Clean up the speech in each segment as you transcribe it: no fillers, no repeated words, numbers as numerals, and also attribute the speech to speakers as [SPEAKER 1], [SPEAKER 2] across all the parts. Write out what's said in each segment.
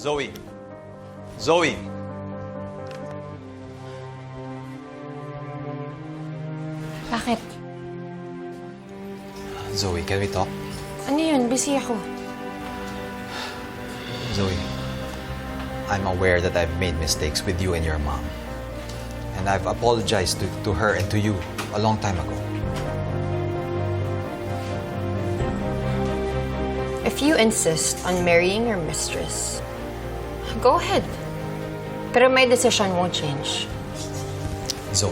[SPEAKER 1] Zoe. Zoe!
[SPEAKER 2] Bakit?
[SPEAKER 1] Zoe, can we talk?
[SPEAKER 2] Ano yun? Busy ako.
[SPEAKER 1] Zoe, I'm aware that I've made mistakes with you and your mom. And I've apologized to her and to you a long time ago.
[SPEAKER 2] If you insist on marrying your mistress, go ahead. Pero my decision won't change.
[SPEAKER 1] Zoe.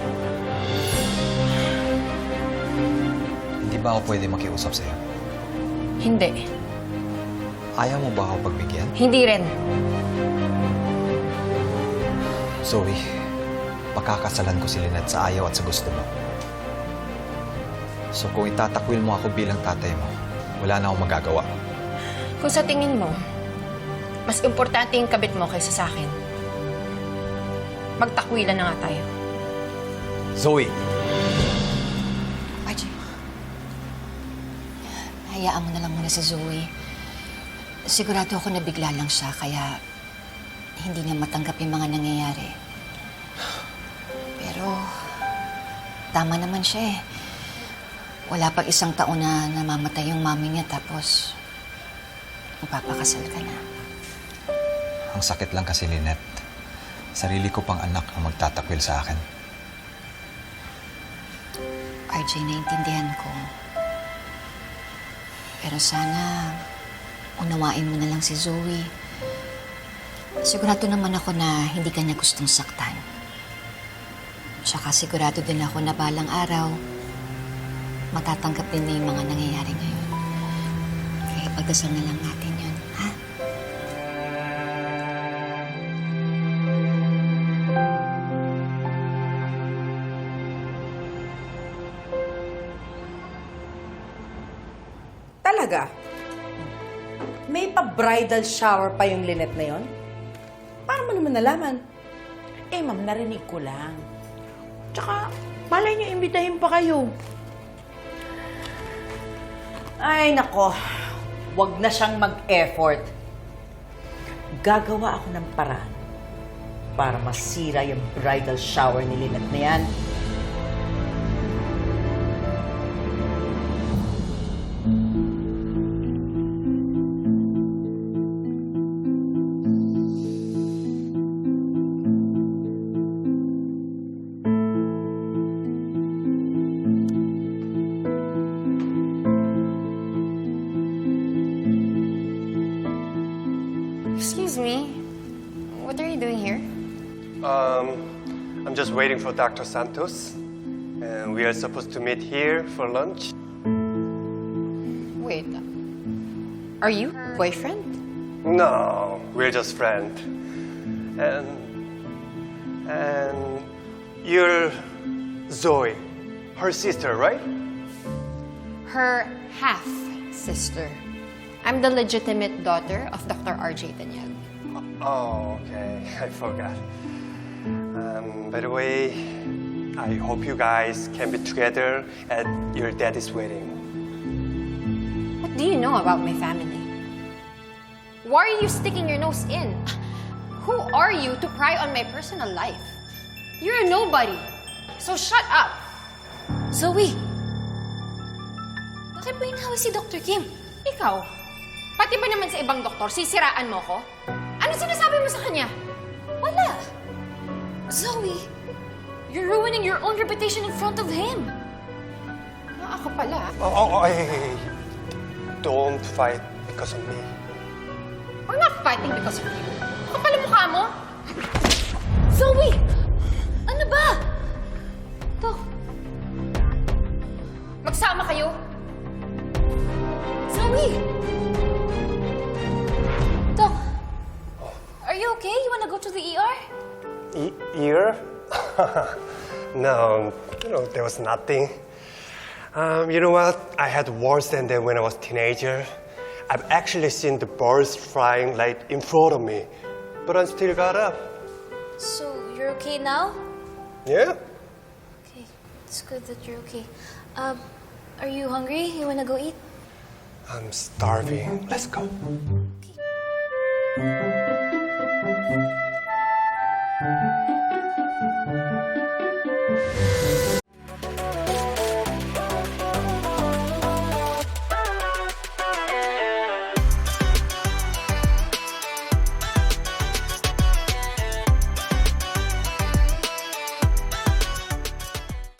[SPEAKER 1] Hindi ba ako pwede makiusap sa'yo?
[SPEAKER 2] Hindi.
[SPEAKER 1] Ayaw mo ba ako pagbigyan?
[SPEAKER 2] Hindi rin.
[SPEAKER 1] Zoe, pakakasalan ko si Lynette sa ayaw at sa gusto mo. So kung itatakwil mo ako bilang tatay mo, wala na akong magagawa.
[SPEAKER 2] Kung sa tingin mo, mas importante yung kabit mo kaysa sa akin, magtakwilan na nga tayo.
[SPEAKER 1] Zoe!
[SPEAKER 3] RJ, hayaan mo na lang muna si Zoe. Sigurado ako na bigla lang siya, kaya hindi niya matanggap yung mga nangyayari. Pero, tama naman siya eh. Wala pang 1 taon na namamatay yung mami niya, tapos magpapakasal ka na.
[SPEAKER 1] Ang sakit lang kasi, Lynette. Sarili ko pang anak ang magtatakwil sa akin.
[SPEAKER 3] RJ, naiintindihan ko. Pero sana, unawain mo na lang si Zoe. Sigurado naman ako na hindi ka niya gustong saktan. Tsaka sigurado din ako na balang araw, matatanggap din na yung mga nangyayari ngayon. Kaya pagdasal na lang natin yun, ha?
[SPEAKER 4] Talaga? May pa-bridal shower pa yung Lynette na yon? Paano mo naman nalaman?
[SPEAKER 5] Eh, ma'am, narinig ko lang. Tsaka, malay niyo, imbitahin pa kayo.
[SPEAKER 4] Ay, nako. Huwag na siyang mag-effort. Gagawa ako ng paraan para masira yung bridal shower ni Lynette na yan.
[SPEAKER 2] Excuse me. What are you doing here?
[SPEAKER 6] I'm just waiting for Dr. Santos. And we are supposed to meet here for lunch.
[SPEAKER 2] Wait. Are you her boyfriend?
[SPEAKER 6] No, we're just friends. And you're Zoe, her sister, right?
[SPEAKER 2] Her half-sister. I'm the legitimate daughter of Dr. RJ Tanyag.
[SPEAKER 6] Oh, okay. I forgot. By the way, I hope you guys can be together at your daddy's wedding.
[SPEAKER 2] What do you know about my family? Why are you sticking your nose in? Who are you to pry on my personal life? You're a nobody. So shut up.
[SPEAKER 3] Zoe! Bakit mo inahawa si Dr. Kim?
[SPEAKER 2] Ikaw, pati ba naman sa ibang doktor, sisiraan mo ko? Ano sinasabi mo sa kanya?
[SPEAKER 3] Wala! Zoe,
[SPEAKER 2] You're ruining your own reputation in front of him. Ako pala.
[SPEAKER 6] Hey. Don't fight because of me.
[SPEAKER 2] We're not fighting because of you. Ako pala mukha mo. Zoe!
[SPEAKER 3] ano ba?
[SPEAKER 2] Dok. Magsama kayo.
[SPEAKER 3] Zoe! Doc, are you okay? You wanna go to the ER?
[SPEAKER 6] Ear? No, there was nothing. You know what? I had worse than that when I was a teenager. I've actually seen the birds flying like in front of me, but I still got up.
[SPEAKER 3] So, you're okay now?
[SPEAKER 6] Yeah?
[SPEAKER 3] Okay, it's good that you're okay. Are you hungry? You wanna go eat?
[SPEAKER 6] I'm starving. Let's go.